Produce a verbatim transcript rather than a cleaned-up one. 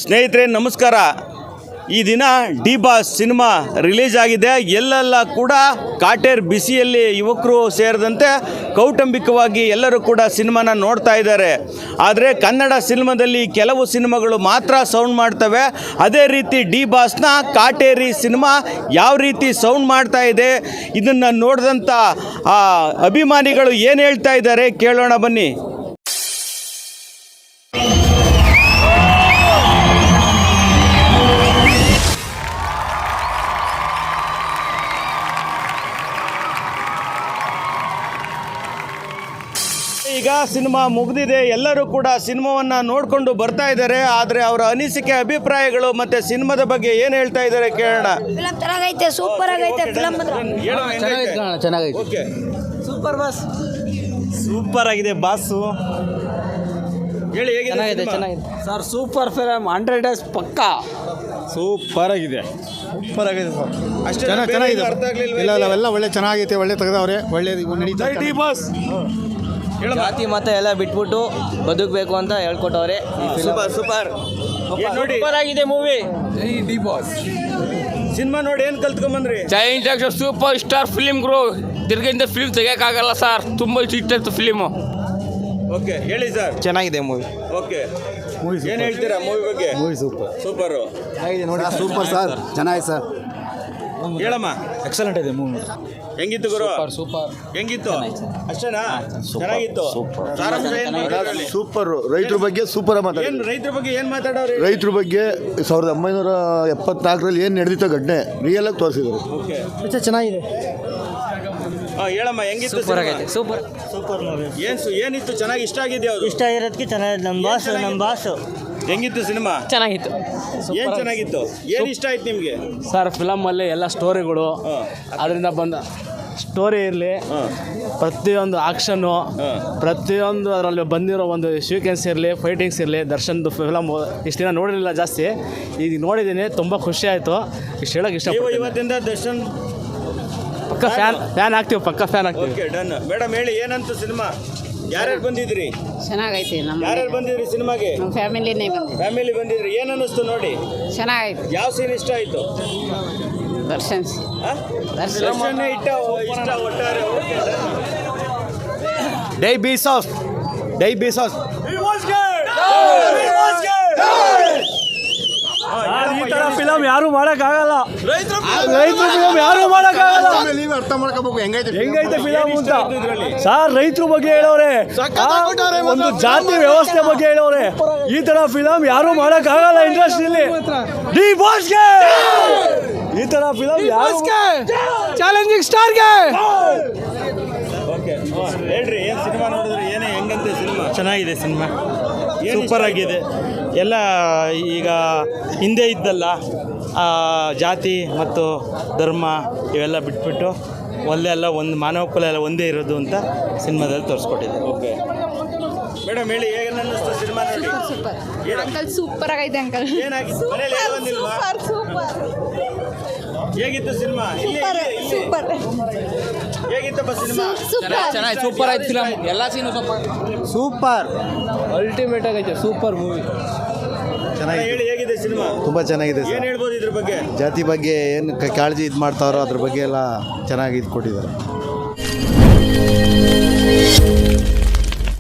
ಸ್ನೇಹಿತರೆ ನಮಸ್ಕಾರ. ಈ ದಿನ ಡಿ ಬಾಸ್ ಸಿನಿಮಾ ರಿಲೀಸ್ ಆಗಿದೆ. ಎಲ್ಲೆಲ್ಲ ಕೂಡ ಕಾಟೇರ್ ಬಿಸಿಯಲ್ಲಿ ಯುವಕರು ಸೇರಿದಂತೆ ಕೌಟುಂಬಿಕವಾಗಿ ಎಲ್ಲರೂ ಕೂಡ ಸಿನಿಮಾನ ನೋಡ್ತಾ ಇದ್ದಾರೆ. ಆದರೆ ಕನ್ನಡ ಸಿನಿಮಾದಲ್ಲಿ ಕೆಲವು ಸಿನಿಮಾಗಳು ಮಾತ್ರ ಸೌಂಡ್ ಮಾಡ್ತವೆ. ಅದೇ ರೀತಿ ಡಿ ಬಾಸ್ನ ಕಾಟೇರಿ ಸಿನಿಮಾ ಯಾವ ರೀತಿ ಸೌಂಡ್ ಮಾಡ್ತಾ ಇದೆ, ಇದನ್ನು ನೋಡಿದಂಥ ಅಭಿಮಾನಿಗಳು ಏನು ಹೇಳ್ತಾ ಇದ್ದಾರೆ ಕೇಳೋಣ ಬನ್ನಿ. ಈಗ ಸಿನಿಮಾ ಮುಗಿದಿದೆ, ಎಲ್ಲರೂ ಕೂಡ ಸಿನಿಮಾವನ್ನು ನೋಡಿಕೊಂಡು ಬರ್ತಾ ಇದ್ದಾರೆ. ಆದರೆ ಅವರ ಅನಿಸಿಕೆ, ಅಭಿಪ್ರಾಯಗಳು ಮತ್ತು ಸಿನಿಮಾದ ಬಗ್ಗೆ ಏನು ಹೇಳ್ತಾ ಇದ್ದಾರೆ ಕೇಳೋಣ. ಫಿಲಂ ಚೆನ್ನಾಗೈತೆ, ಸೂಪರ್ ಆಗೈತೆ ಫಿಲಂ. ಚೆನ್ನಾಗೈತೆ, ಓಕೆ, ಸೂಪರ್ ಬಾಸ್, ಸೂಪರ್ ಆಗಿದೆ ಬಾಸು. ಹೇಳಿ, ಹೇಗಿದೆ ಚೆನ್ನಾಗಿದೆ ಚೆನ್ನಾಗಿದೆ sir. Super film, hundred days ಪಕ್ಕಾ ಸೂಪರ್ ಆಗಿದೆ, ಸೂಪರ್ ಆಗಿದೆ ಸರ್. ಅಷ್ಟೇ ಚೆನ್ನಾಗಿ ಚೆನ್ನಾಗಿದೆ. ಅರ್ಥ ಆಗ್ಲಿಲ್ವಾ? ಇಲ್ಲ ಇಲ್ಲ ಅವೆಲ್ಲ ಒಳ್ಳೆ ಚೆನ್ನಾಗೈತೆ, ಒಳ್ಳೆ ತೆಗೆದವ್ರೆ, ಒಳ್ಳೆ ನಡೀತಾ ಡಿ ಬಾಸ್ ಜಾತಿ ಮತ ಎಲ್ಲ ಬಿಟ್ಬಿಟ್ಟು ಬದುಕಬೇಕು ಅಂತ ಹೇಳ್ಕೊಟ್ಟವ್ರೆ. ಸೂಪರ್ ಸೂಪರ್ ನೋಡಿ, ಸೂಪರ್ ಆಗಿದೆ ಮೂವಿ. ಡಿ ಬಾಸ್ ಸಿನಿಮಾ ನೋಡಿ ಏನು ಕಲ್ತ್ಕೊಂಬಂದ್ರಿ? ಜೈಂಟ್ ಸೂಪರ್ ಸ್ಟಾರ್ ಫಿಲಿಮ್ ಗ್ರೋ. ತಿರ್ಗಿಂದ ಫಿಲ್ಮ್ ತೆಗಿಯೋಕ್ಕಾಗಲ್ಲ ಸರ್, ತುಂಬ ಇಷ್ಟ ಇತ್ತು ಫಿಲಿಮು. ಓಕೆ, ಹೇಳಿ ಸರ್. ಚೆನ್ನಾಗಿದೆ ಮೂವಿ. ಓಕೆ, ಏನು ಹೇಳ್ತೀರಾ ಮೂವಿ ಬಗ್ಗೆ? ಮೂವಿ ಸೂಪರ್ ಸೂಪರು ನೋಡಿ, ಸೂಪರ್ ಸರ್, ಚೆನ್ನಾಗಿದೆ ಸರ್. ಹೇಳಮ್ಮ. ಎಕ್ಸಲೆಂಟ್ ಇದೆ ಮೂವಿ. ಹೆಂಗಿತ್ತು ಗುರು? ಸೂಪರ್ ಹೆಂಗಿತ್ತು? ಅಷ್ಟೇನಾ? ಚೆನ್ನಾಗಿತ್ತು. ಸಾರಾಂಶ ಏನು ಹೇಳಿ? ಸೂಪರ್. ರೈತರ ಬಗ್ಗೆ ಸೂಪರ್ ಮಾತಾಡ. ಏನು ರೈತರ ಬಗ್ಗೆ ಏನು ಮಾತಾಡೋರು? ರೈತರ ಬಗ್ಗೆ ಸಾವಿರದ ಒಂಬೈನೂರ ಎಪ್ಪತ್ನಾಲ್ಕರಲ್ಲಿ ಏನು ನಡೆದಿತ್ತು ಘಟನೆ ರಿಯಲ್ ಆಗಿ ತೋರಿಸಿದ್ರು. ಓಕೆ, ಚೆನ್ನಾಗಿದೆ. ಹಾಂ, ಹೇಳಮ್ಮ, ಹೆಂಗಿತ್ತು? ಸೂಪರ್ ಆಗೈತೆ, ಸೂಪರ್ ಸೂಪರ್ ಮೂವಿ. ಏನು ಏನಿತ್ತು ಚೆನ್ನಾಗಿ ಇಷ್ಟ ಆಗಿದೆ? ಅವರು ಇಷ್ಟ ಆಗಿರೋದಕ್ಕೆ ಚೆನ್ನಾಗಿದೆ. ನಮ್ಮ ಬಾಸು ನಮ್ಮ ಬಾಸು ಹೆಂಗಿತ್ತು ಸಿನಿಮಾ? ಚೆನ್ನಾಗಿತ್ತು. ಏನು ಚೆನ್ನಾಗಿತ್ತು? ಏನು ಇಷ್ಟ ಆಯ್ತು ನಿಮಗೆ ಸರ್? ಫಿಲಮಲ್ಲಿ ಎಲ್ಲ ಸ್ಟೋರಿಗಳು, ಅದರಿಂದ ಬಂದ ಸ್ಟೋರಿ ಇರಲಿ, ಪ್ರತಿಯೊಂದು ಆಕ್ಷನ್ನು, ಪ್ರತಿಯೊಂದು ಅದರಲ್ಲಿ ಬಂದಿರೋ ಒಂದು ಸೀಕ್ವೆನ್ಸ್ ಇರಲಿ, ಫೈಟಿಂಗ್ಸ್ ಇರಲಿ, ದರ್ಶನ್ದು ಫಿಲಮ್ ಇಷ್ಟು ದಿನ ನೋಡಿರಲಿಲ್ಲ ಜಾಸ್ತಿ, ಈಗ ನೋಡಿದ್ದೀನಿ, ತುಂಬ ಖುಷಿ ಆಯಿತು. ಇಷ್ಟು ಹೇಳೋಕೆ ಇಷ್ಟಪಡ್ತೀನಿ. ಇವತ್ತಿಂದ ದರ್ಶನ್ ಪಕ್ಕ ಫ್ಯಾನ್ ಫ್ಯಾನ್ ಆಗ್ತೀವಿ, ಪಕ್ಕ ಫ್ಯಾನ್ ಆಗ್ತೀವಿ. Okay, done. ಮೇಡಮ್ ಹೇಳಿ, ಏನಂತ ಸಿನಿಮಾ? ಯಾರ್ಯಾರು ಬಂದಿದ್ರಿ? ಚೆನ್ನಾಗೈತೆ. ನಮ್ಮ ಯಾರ್ಯಾರು ಬಂದಿದ್ರಿ ಸಿನಿಮಾಗೆ? ನಮ್ಮ ಫ್ಯಾಮಿಲಿನೇ ಬಂದಿದೆ. ಫ್ಯಾಮಿಲಿ ಬಂದಿದ್ರಿ. ಏನು ಅನ್ನಿಸ್ತು ನೋಡಿ? ಚೆನ್ನಾಗೈತೆ. ಯಾವ ಸೀನ್ ಇಷ್ಟ ಆಯಿತು? ದರ್ಶನ್ ದರ್ಶನ್ ಇಟ್ಟ ಇಷ್ಟ ಒಟ್ಟಾರೆ. ಓಕೆ, ಡೈ ಬೀಸಾಸ್, ಡೈ ಬೀಸಾಸ್. ಈ ಥರ ಫಿಲಮ್ ಯಾರು ಮಾಡೋಕ್ಕಾಗಲ್ಲ. ರೈತರ ಫಿಲಮ್ ಯಾರು ಮಾಡೋಕ್ಕಾಗಲ್ಲ. ನೀವು ಅರ್ಥ ಮಾಡ್ಕೋಬೇಕು ಹೆಂಗೈತೆ ಹೆಂಗೈತೆ ಫಿಲಮ್ ಅಂತ ಸರ್. ರೈತರ ಬಗ್ಗೆ ಹೇಳೋರೆ, ಒಂದು ಜಾತಿ ವ್ಯವಸ್ಥೆ ಬಗ್ಗೆ ಹೇಳೋರೆ. ಈ ತರ ಫಿಲಮ್ ಯಾರು ಮಾಡೋಕ್ಕಾಗಲ್ಲ ಇಂಡಸ್ಟ್ರಿಯಲ್ಲಿ. ಡಿ ಬಾಸ್ಗೆ ಈ ತರ ಫಿಲಮ್ ಯಾರು ಚಾಲೆಂಜಿಂಗ್ ಸ್ಟಾರ್ಗೆ. ಓಕೆ, ಹೇಳ್ರಿ, ಏನು ಸಿನಿಮಾ ನೋಡಿದ್ರೆ ಏನೇ ಹೆಂಗಂತೆ ಸಿನಿಮಾ? ಚೆನ್ನಾಗಿದೆ ಸಿನಿಮಾ, ಸೂಪರ್ ಆಗಿದೆ. ಎಲ್ಲ ಈಗ ಹಿಂದೆ ಇದ್ದಲ್ಲ ಜಾತಿ ಮತ್ತು ಧರ್ಮ ಇವೆಲ್ಲ ಬಿಟ್ಬಿಟ್ಟು ಒಳ್ಳೆ ಎಲ್ಲ ಒಂದು ಮಾನವ ಕುಲ ಎಲ್ಲ ಒಂದೇ ಇರೋದು ಅಂತ ಸಿನಿಮಾದಲ್ಲಿ ತೋರಿಸ್ಕೊಟ್ಟಿದೆ. ಓಕೆ ಮೇಡಮ್ ಹೇಳಿ, ಹೇಗೆ ಅನ್ನಿಸ್ತು ಸಿನಿಮಾ ನೋಡಿ? ಸೂಪರ್ ಅಂಕಲ್, ಸೂಪರ್ ಆಗೈತೆ ಅಂಕಲ್. ಏನಾಗಿತ್ತು? ಮನೇಲಿ ಏನು ಬಂದಿಲ್ವಾ? ಹೇಗಿತ್ತು ಸಿನಿಮಾ? ಸೂಪರ್ ಹೇಗಿತ್ತಪ್ಪ ಸಿನಿಮಾ? ಚೆನ್ನಾಗಿ ಸೂಪರ್ ಆಯ್ತು ಫಿಲಮ್, ಎಲ್ಲ ಸೀನು ಸೂಪರ್ ಸೂಪರ್, ಅಲ್ಟಿಮೇಟ್ ಆಗೈತೆ, ಸೂಪರ್ ಮೂವಿ. ಚೆನ್ನಾಗಿದೆ. ಹೇಳಿ, ಹೇಗಿದೆ ಸಿನಿಮಾ? ತುಂಬ ಚೆನ್ನಾಗಿದೆ ಏನು ಸರ್. ಹೇಳ್ಬೋದು ಇದ್ರ ಬಗ್ಗೆ? ಜಾತಿ ಬಗ್ಗೆ ಏನು ಕಾಳಜಿ ಇದು ಮಾಡ್ತಾರೋ ಅದ್ರ ಬಗ್ಗೆ ಎಲ್ಲ ಚೆನ್ನಾಗಿ ಇದು ಕೊಟ್ಟಿದ್ದಾರೆ.